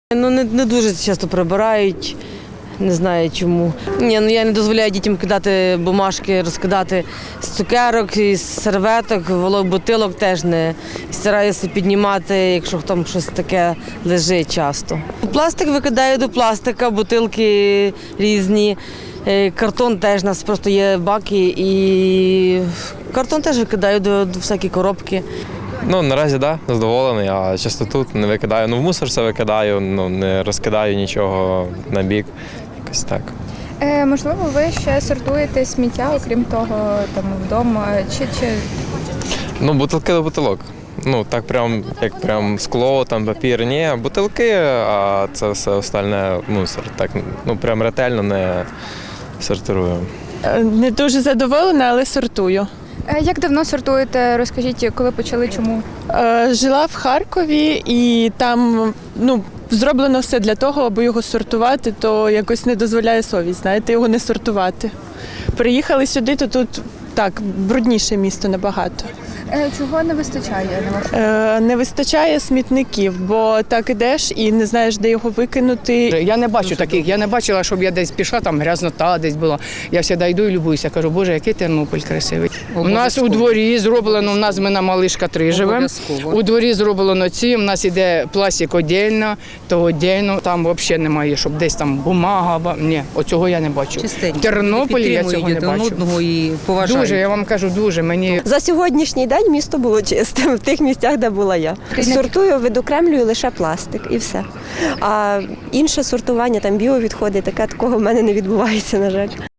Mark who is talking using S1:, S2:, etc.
S1: Не дуже часто прибирають, не знаю чому. Я не дозволяю дітям кидати бумажки, розкидати з цукерок, з серветок, бутилок теж не. Стараюся піднімати, якщо там щось таке лежить часто. Пластик викидаю до пластика, бутилки різні, картон теж, у нас просто є баки і картон теж викидаю до всякі коробки.
S2: Наразі так, задоволений, а частоту не викидаю. В мусор все викидаю, не розкидаю нічого на бік, якось так.
S3: Можливо, ви ще сортуєте сміття, окрім того, вдома, чи…
S2: Бутилки до бутилок. Так прям скло, папір, ні, бутилки, а це все остальне мусор. Так, прям ретельно не сортирую.
S4: Не дуже задоволена, але сортую.
S3: Як давно сортуєте? Розкажіть, коли почали, чому?
S4: Жила в Харкові і там зроблено все для того, аби його сортувати, то якось не дозволяє совість, його не сортувати. Приїхали сюди, то тут так, брудніше місто набагато.
S3: Чого не вистачає, на вашу?
S4: Не вистачає смітників, бо так ідеш і не знаєш, де його викинути.
S5: Я не бачу таких, я не бачила, щоб я десь пішла, там грязнота десь була. Я завжди йду і любуюся, кажу, Боже, який Тернопіль красивий. У нас у дворі зроблено, ми на Малишка 3 живемо, у дворі зроблено у нас іде пластик віддільно, то віддільно, там взагалі немає, щоб десь там бумага, ні, оцього я не бачу.
S6: Чистенько.
S5: В Тернополі я цього не бачу.
S6: І поважають.
S5: Дуже, я вам кажу, дуже. Мені
S7: За сьогоднішній день місто було чистим в тих місцях, де була я. Сортую, відокремлюю лише пластик і все. А інше сортування, біовідходи, такого в мене не відбувається, на жаль.